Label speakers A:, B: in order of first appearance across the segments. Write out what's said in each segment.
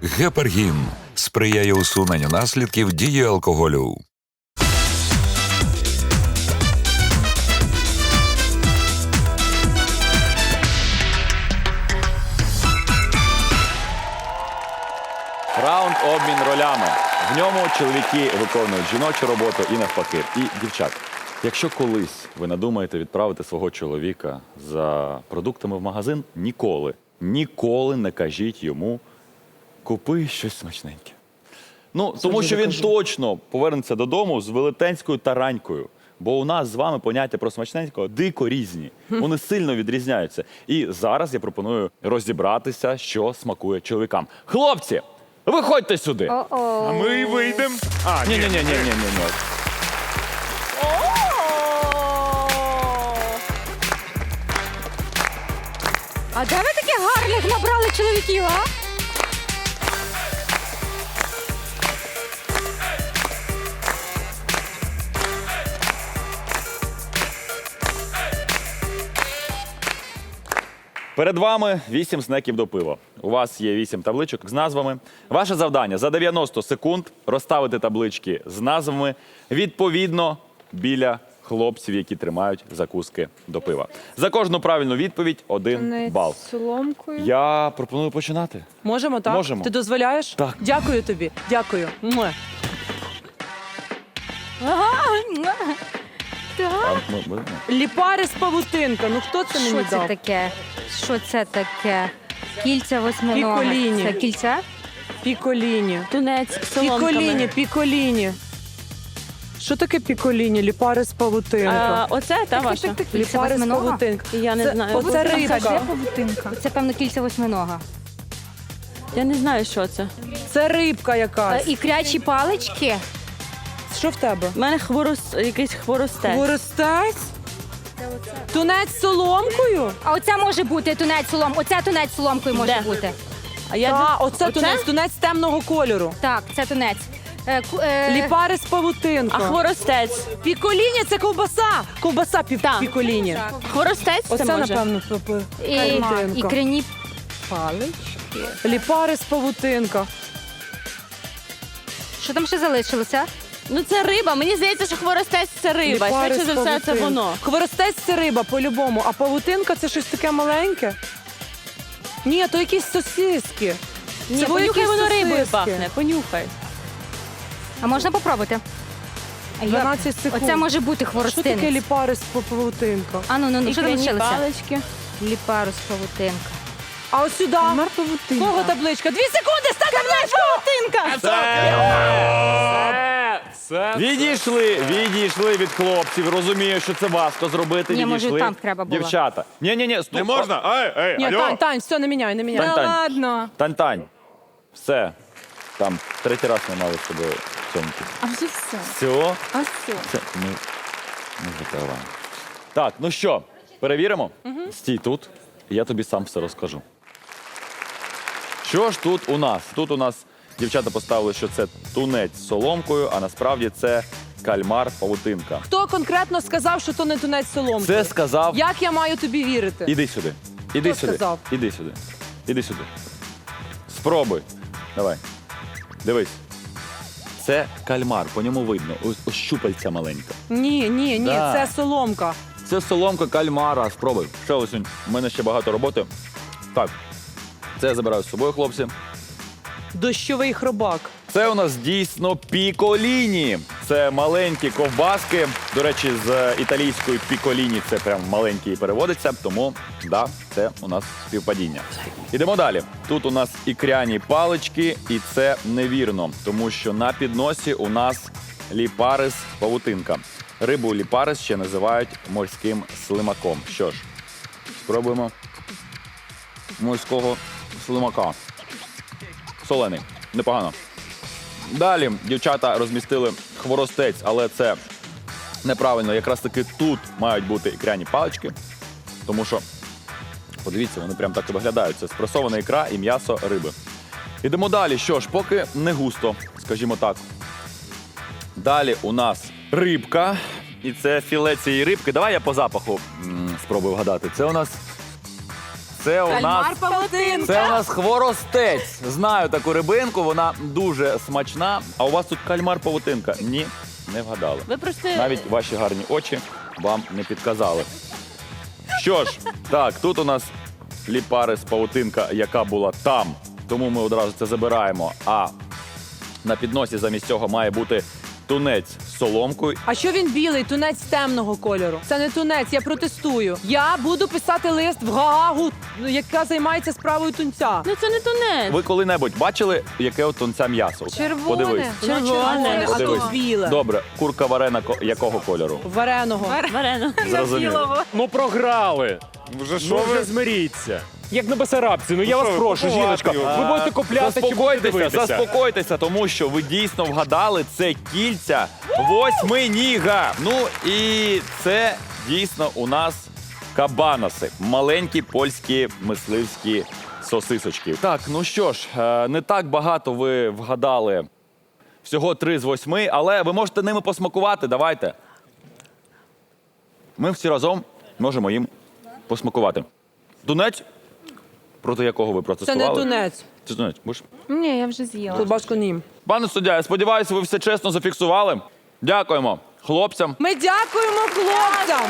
A: Гепаргін сприяє усуненню наслідків дії алкоголю.
B: Раунд обмін ролями. В ньому чоловіки виконують жіночу роботу і навпаки. І дівчат, якщо колись ви надумаєте відправити свого чоловіка за продуктами в магазин, ніколи не кажіть йому «купи щось смачненьке». Ну, тому що він точно повернеться додому з велетенською таранькою. Бо у нас з вами поняття про смачненького дико різні. Вони сильно відрізняються. І зараз я пропоную розібратися, що смакує чоловікам. Хлопці, виходьте сюди.
C: А ми вийдемо.
B: Ні.
D: А де ви таких гарних набрали чоловіків, а?
B: Перед вами 8 снеків до пива. У вас є 8 табличок з назвами. Ваше завдання за 90 секунд розставити таблички з назвами відповідно біля хлопців, які тримають закуски до пива. За кожну правильну відповідь 1 бал.
D: Соломкою.
B: Я пропоную починати.
E: Можемо, так?
B: Можемо.
E: Ти дозволяєш?
B: Так.
E: Дякую тобі. Дякую. Муа. Ліпари з павутинка. Ну хто це мені
D: Що це
E: дав?
D: таке? Що це таке? Кільця восьминога.
E: Піколіні.
D: Це кільця?
E: Піколіні.
F: Тунець, соломками.
E: Піколіні. Що таке піколіні? Ліпари з павутинка.
F: Оце та ваша?
D: Кільця
E: Ліпари з
D: восьминога?
E: павутинка.
F: Я не знаю.
E: Оце
D: Де
E: рибка.
D: павутинка? Це, певно, кільця восьминога.
F: Я не знаю, що це.
E: Це рибка якась.
D: Ікрячі палички.
E: Що в тебе?
F: У мене якийсь хворостець.
E: Хворостець? Тунець з соломкою?
D: А оце може бути тунець солом. Оце тунець соломкою може
F: Де?
D: бути.
F: А я
E: Так, оце тунець темного кольору.
D: Так, це тунець.
E: Ліпари з павутинка.
F: А хворостець?
E: Піколіні – це ковбаса. Ковбаса
F: Так.
E: піколіні.
F: Хворостець це
E: Оце,
F: може?
E: напевно, павутинка.
D: Ікряні палички.
E: Ліпари з павутинка.
D: Що там ще залишилося?
F: Ну це риба. Мені здається, що хворостець це риба.
E: Ліпари
F: Швидше
E: з
F: за все, це
E: павутинка.
F: воно.
E: Хворостець – це риба по-любому, а павутинка – це щось таке маленьке. Ні, то якісь сосиски.
F: Ні,
E: Це
F: понюхай,
E: якісь
F: воно рибою
E: сосиски.
F: пахне. Понюхай.
D: А можна попробувати?
E: 12 секунд.
D: Оце може бути
E: Що таке
D: хворостинець.
E: ліпари з павутинка?
D: А ну, що
F: Ікряні
D: залишилося?
F: палички.
D: Ліпару з павутинка.
E: А ось сюди. Кого табличка? 2 секунди, стань табличку!
B: Відійшли від хлопців. Розумію, що це важко зробити.
D: Ні, може,
B: Відійшли.
D: там треба було.
B: Дівчата. Ні, стоп.
C: Не можна?
E: Ні,
C: Алло.
E: Тань, все, не міняй.
B: Тань.
D: Ладно.
B: Тань. Все. Там третій раз ми мали з тобою цьомки.
F: А вже все.
B: Все?
F: А все.
B: Це ми закриваємо. Так, ну що, перевіримо? Стій тут, і я тобі сам все розкажу. Що ж тут у нас? Тут у нас дівчата поставили, що це тунець з соломкою, а насправді це кальмар-павутинка.
E: Хто конкретно сказав, що то не тунець соломки?
B: Це сказав...
E: Як я маю тобі вірити?
B: Іди сюди. Іди
E: Хто
B: сюди.
E: сказав?
B: Іди сюди. Іди сюди. Спробуй. Давай. Дивись. Це кальмар, по ньому видно. Ось щупальця маленька.
E: Ні,
B: Да.
E: це соломка.
B: Це соломка кальмара. Спробуй. Ще ось у мене ще багато роботи. Так. Це я забираю з собою, хлопці.
E: Дощовий хробак.
B: Це у нас дійсно піколіні. Це маленькі ковбаски. До речі, з італійської піколіні це прям маленький переводиться, тому да, це у нас співпадіння. Ідемо далі. Тут у нас ікряні палички, і це невірно, тому що на підносі у нас ліпарис павутинка. Рибу ліпарис ще називають морським слимаком. Що ж, спробуємо морського слимака. Солений. Непогано. Далі дівчата розмістили хворостець, але це неправильно. Якраз таки тут мають бути ікряні палички, тому що, подивіться, вони прям так і виглядають. Це спресована ікра і м'ясо риби. Ідемо далі. Що ж, поки не густо, скажімо так. Далі у нас рибка. І це філе цієї рибки. Давай я по запаху спробую вгадати. Це у нас Це у нас
E: павутинка.
B: Це у нас хворостець. Знаю таку рибинку, вона дуже смачна. А у вас тут кальмар-павутинка? Ні, не вгадали.
F: Ви просто
B: Навіть ваші гарні очі вам не підказали. Що ж, так, тут у нас ліпарис павутинка, яка була там. Тому ми одразу це забираємо. А на підносі замість цього має бути тунець з соломкою.
E: А що він білий? Тунець темного кольору. Це не тунець, я протестую. Я буду писати лист в Гаагу, яка займається справою тунця.
F: ну це не тунець.
B: Ви коли-небудь бачили, яке от тунця м'ясо?
D: Червоне.
B: Подивись.
E: Воно
F: Червоне.
E: а
B: Подивись.
E: тут біле.
B: Добре, курка варена якого кольору?
E: Вареного.
F: Варено.
B: Зрозуміло.
C: Ну програли.
A: Вже
C: Ну вже змиріться. Як на Бесарабці, ну я вас прошу, жіночка. Ви будете купляти чи будете дивитися?
B: Заспокойтеся, тому що ви дійсно вгадали, це кільця восьминіга. Ну і це дійсно у нас кабаноси. Маленькі польські мисливські сосисочки. Так, ну що ж, не так багато ви вгадали. Всього 3 з 8, але ви можете ними посмакувати. Давайте. Ми всі разом можемо їм посмакувати. Тунець, проти якого ви
E: Це
B: протестували?
E: не тунець.
B: Це тунець. Будеш?
D: Ні, я вже з'їла.
E: Колбаску ні.
B: Пане суддя, я сподіваюся, ви все чесно зафіксували. Дякуємо хлопцям.
E: Ми дякуємо хлопцям.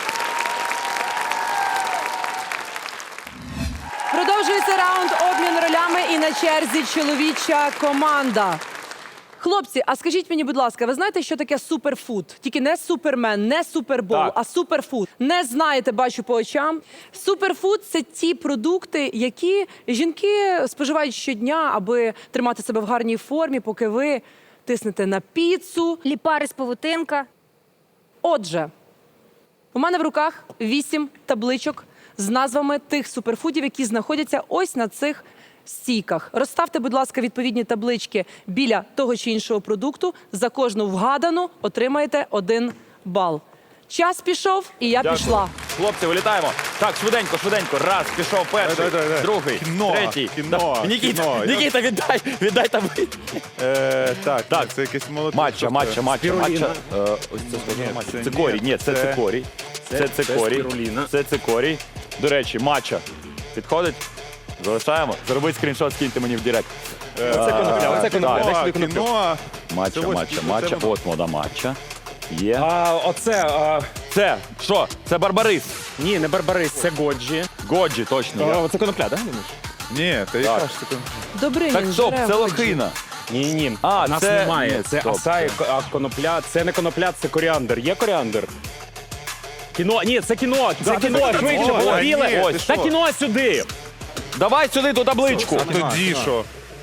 E: Продовжується раунд обмін ролями і на черзі чоловіча команда. Хлопці, а скажіть мені, будь ласка, ви знаєте, що таке суперфуд? Тільки не супермен, не супербол,
B: Так.
E: а суперфуд. Не знаєте, бачу по очам. Суперфуд – це ті продукти, які жінки споживають щодня, аби тримати себе в гарній формі, поки ви тиснете на піцу.
D: Ліпарис павутинка.
E: Отже, у мене в руках 8 табличок з назвами тих суперфудів, які знаходяться ось на цих стійках. Розставте, будь ласка, відповідні таблички біля того чи іншого продукту. За кожну вгадану отримаєте 1 бал. Час пішов, і я
B: Дякую.
E: пішла.
B: Хлопці, вилітаємо. Так, швиденько, швиденько. Раз, пішов перший,
C: Давай.
B: другий,
C: Кіно,
B: третій.
C: кіно,
B: Нікіта,
C: кіно.
B: Нікіта, віддай табличку.
C: Так, це якесь молоко.
B: Матча. Ось це
C: Спіруліна.
B: схоже на матча.
C: це
B: Цикорій.
C: ні.
B: Ні, це
C: Це-
B: цикорій. Це цикорій.
C: спіруліна.
B: Це цикорій. До речі, матча. Підходить? Залишаємо. Зробіть скріншот, скиньте мені в директ.
C: Оце конопля, оце конопля. Дай сюди коноплю.
B: Матча.
C: Це ось-
B: От мода матча. Є.
C: Оце,
B: Це що? Це барбарис.
C: ні, не барбарис, це годжі.
B: Годжі, точно.
C: Оце конопля, так?
G: Ні, та
B: Так.
G: яка ж це
E: Добрий
B: Так, стоп, це лохина.
C: Ні.
B: А,
C: нас
B: це-
C: немає.
B: ні,
C: Це
B: стоп,
C: асай, а конопля. Це не конопля, це коріандр. Є коріандр? Кіно, ні, це кіно, це кіно, швидше,
B: Ой,
C: було
B: ні,
C: біле.
B: ось,
C: Та
B: що?
C: кіно сюди.
B: Давай сюди ту табличку.
G: А тоді що?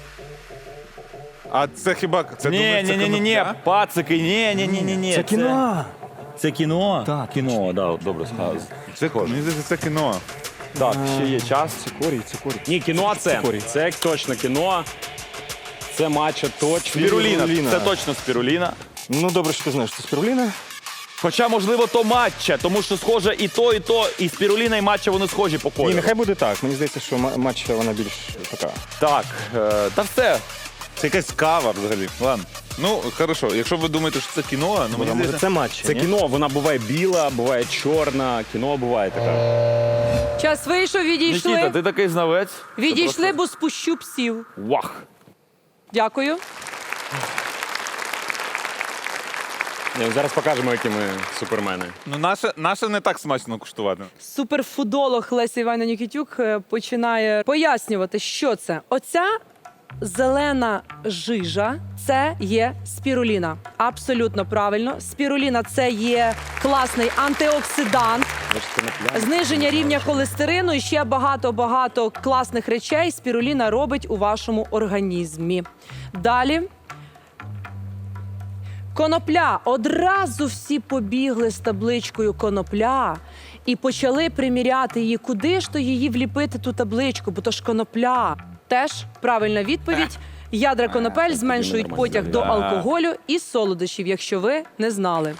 G: А це хіба це
B: Ні,
G: думаю, це
B: ні,
G: конопля?
B: пацики, ні.
C: Це кіно.
B: Це кіно? Так. Кіно, да, добре сказали.
G: Це мені здається, це кіно.
B: Так, ще є час.
C: Ні, кіно це. Це точно кіно. Це матча точно.
B: Спіруліна. Це точно спіруліна.
H: Ну, добре, що ти знаєш, це спіруліна.
B: Хоча, можливо, то матча, тому що схоже і то, і спіруліна, і матча, вони схожі по
H: Ні,
B: кольору.
H: нехай буде так. Мені здається, що матча вона більш така.
B: Так, та все.
G: Це якась кава взагалі. Ладно. Ну, хорошо, якщо ви думаєте, що це кіно, ну мені
H: Може,
G: здається...
H: це матча.
C: Це
H: ні?
C: кіно, вона буває біла, буває чорна, кіно буває така.
E: Час вийшов,
B: Нікіта,
E: відійшли.
B: ти такий знавець.
E: Відійшли, бо спущу псів.
B: Вах.
E: Дякую.
C: Зараз покажемо, які ми супермени.
G: Ну, наше не так смачно куштувати.
E: Суперфудолог Леся Іванівна Нікітюк починає пояснювати, що це. Оця зелена жижа – це є спіруліна. Абсолютно правильно. Спіруліна – це є класний антиоксидант, зниження рівня холестерину і ще багато-багато класних речей спіруліна робить у вашому організмі. Далі. Конопля. Одразу всі побігли з табличкою конопля і почали приміряти її. Куди ж то її вліпити, ту табличку, бо то ж конопля. Теж правильна відповідь. Ядра конопель зменшують потяг до алкоголю і солодощів, якщо ви не знали.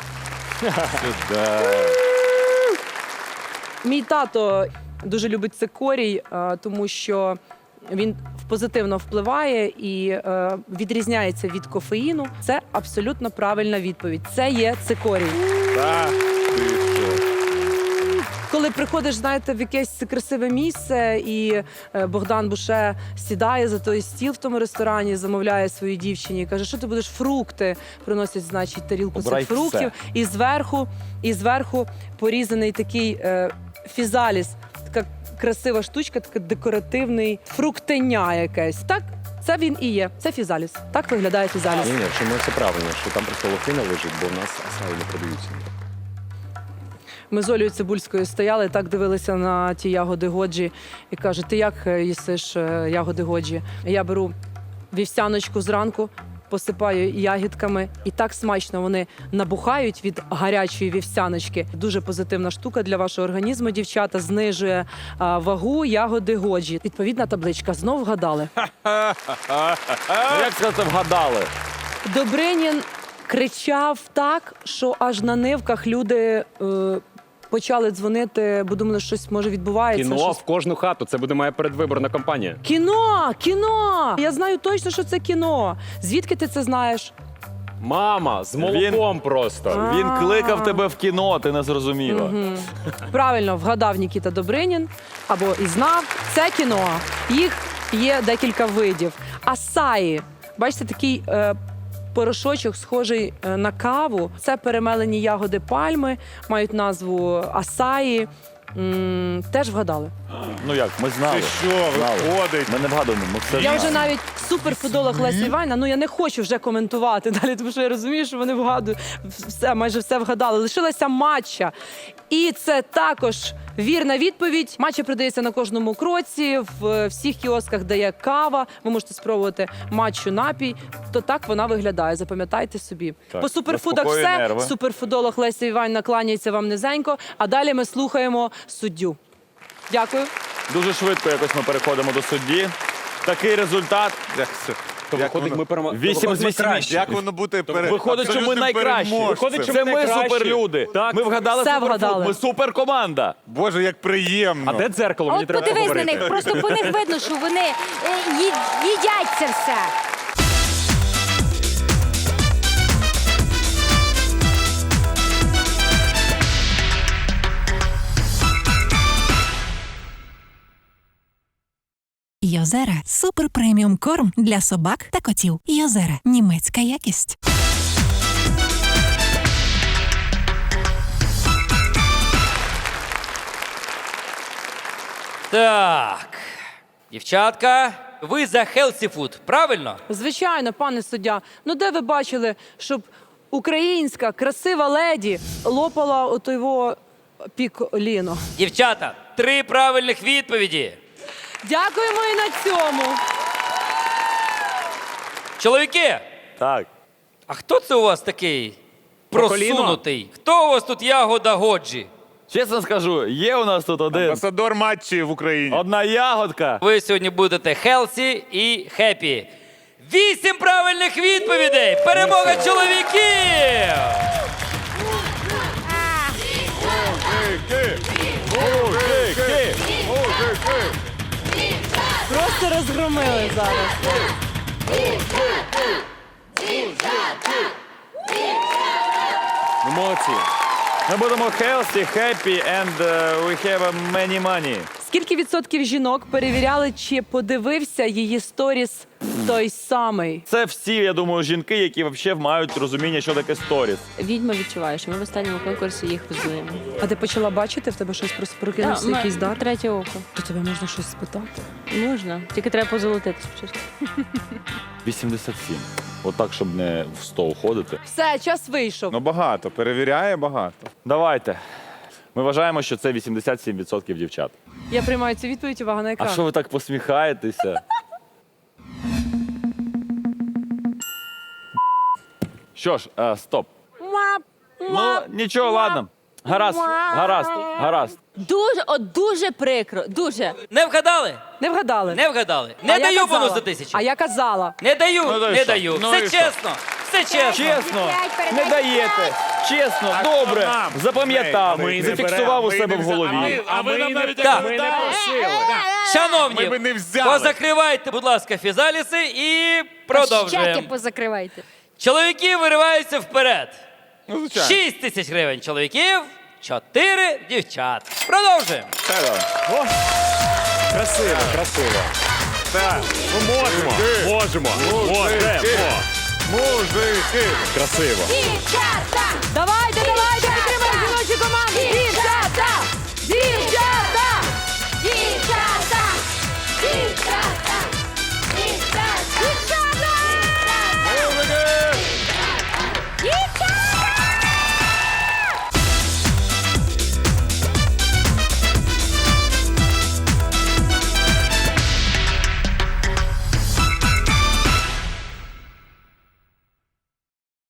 E: Мій тато дуже любить цикорій, тому що він позитивно впливає і відрізняється від кофеїну. Це абсолютно правильна відповідь. Це є цикорій. коли приходиш, знаєте, в якесь красиве місце, і Богдан Буше сідає за той стіл в тому ресторані, замовляє своїй дівчині і каже, що ти будеш фрукти. Приносять, значить, тарілку
B: Обирай
E: цих фруктів. І зверху порізаний такий фізаліс. Така красива штучка, такий декоративний фруктеня якесь. Так, це він і є. Це фізаліс. Так виглядає фізаліс.
C: Ні, чому це правильно, що там просто лохина лежить, бо в нас асаї не продаються.
E: Ми з Олею Цибульською стояли, так дивилися на ті ягоди Годжі і каже, ти як їсиш ягоди Годжі? Я беру вівсяночку зранку, посипаю ягідками, і так смачно вони набухають від гарячої вівсяночки. Дуже позитивна штука для вашого організму, дівчата, знижує вагу ягоди Годжі. Відповідна табличка, знов вгадали.
B: Ну, як це вгадали?
E: Добринін кричав так, що аж на нивках люди почали дзвонити, бо думали, що щось може відбувається.
C: Кіно
E: щось.
C: в кожну хату. Це буде моя передвиборна кампанія.
E: Кіно! Я знаю точно, що це кіно. Звідки ти це знаєш?
C: Мама, з молоком просто.
B: Він кликав тебе в кіно, ти не зрозуміла.
E: Правильно вгадав Нікіта Добринін, або і знав. Це кіно. Їх є декілька видів. Асаї. Бачите, такий порошочок, схожий на каву. Це перемелені ягоди пальми, мають назву асаї. Теж вгадали.
B: Ну як, ми знали.
G: Ти що,
B: Знали.
G: виходить?
B: Ми не вгадуємо, ми все
E: Я
B: знали.
E: вже навіть суперфудолог Лесі Іванівна, ну я не хочу вже коментувати далі, тому що я розумію, що вони вгадують, майже все вгадали. Лишилася матча. І це також вірна відповідь. Матча продається на кожному кроці, в всіх кіосках, де є кава. Ви можете спробувати матчу напій. То так вона виглядає, запам'ятайте собі.
B: Так,
E: По суперфудах
B: заспокоює
E: все.
B: нерви.
E: Суперфудолог Леся Іванівна кланяється вам низенько, а далі ми слухаємо суддю. Дякую.
B: Дуже швидко якось ми переходимо до судді. Такий результат.
G: Як це?
C: То виходить, ми перемогли.
B: 8 з 8.
G: Як воно бути
B: Виходить, що ми найкращі.
C: Виходить, що
B: Це
C: ми
B: ми
C: найкращі.
B: суперлюди.
C: Так.
B: Ми вгадали
E: Все
B: суперфуд.
E: вгадали.
B: Ми суперкоманда.
G: Боже, як приємно.
C: А де дзеркало?
D: А
C: Мені
D: от
C: треба
D: подивись на
C: поговорити.
D: них, просто по них видно, що вони їдять це все.
I: Йозера – супер преміум корм для собак та котів. Йозера – німецька якість.
J: Так, дівчатка, ви за healthy food, правильно?
E: Звичайно, пане суддя. Ну де ви бачили, щоб українська красива леді лопала от його піколіно?
J: Дівчата, 3 правильних відповіді.
E: Дякуємо і на цьому.
J: Чоловіки,
B: Так.
J: а хто це у вас такий
C: Проколіно?
J: просунутий? Хто у вас тут ягода Годжі?
B: Чесно скажу, є у нас тут
G: Амбасадор матчі в Україні.
B: одна ягодка.
J: Ви сьогодні будете healthy і happy. 8 правильних відповідей! Перемога чоловіків!
E: Просто розгромили зараз.
C: Ну, молодці.
B: Ми будемо healthy, happy and we have many money.
E: Скільки відсотків жінок перевіряли, чи подивився її сторіс той самий?
B: Це всі, я думаю, жінки, які взагалі мають розуміння, що таке сторіс.
F: Відьма відчуває, що ми в останньому конкурсі їх везуємо.
E: А ти почала бачити, в тебе щось просто прокинувся якийсь дар?
F: Третє око.
E: То тебе можна щось спитати?
F: Можна. Тільки треба позолотити спочатку.
B: 87. Отак, щоб не в 100 уходити.
E: Все, час вийшов.
G: Ну багато, перевіряє багато.
B: Давайте. Ми вважаємо, що це 87% дівчат.
E: Я приймаю цю відповідь, увага на
B: А
E: екран.
B: що ви так посміхаєтеся? Що ж, стоп. Ну, нічого, ладно. Гаразд, гаразд, гаразд.
F: Дуже прикро. Дуже.
J: Не вгадали?
E: Не вгадали.
J: Не вгадали.
E: А
J: Не
E: я
J: даю
E: казала.
J: бонус за 1000.
E: А я казала.
J: Не даю,
B: Ну, то й
J: не
B: що?
J: даю.
G: Ну,
J: Все
G: і що?
J: чесно. Все чесно.
B: Чесно, не даєте. Чесно, добре.
G: нам?
B: Запам'ятав,
G: Ми не
B: зафіксував у
G: беремо,
B: себе
G: ми
B: в
G: не
B: голові.
G: А ви нам навіть
J: Так.
C: Ми не просили.
J: Шановні,
G: Ми би не взяли.
J: позакривайте, будь ласка, фізаліси і
D: Чаки
J: продовжуємо.
D: позакривайте.
J: Чоловіки вириваються вперед.
G: Ну, звичайно.
J: 6 тисяч гривень чоловіків, 4 дівчат. Продовжуємо.
C: Красиво, красиво. Так, ну можемо. Можемо.
G: Мужики!
C: Красиво.
D: Давайте,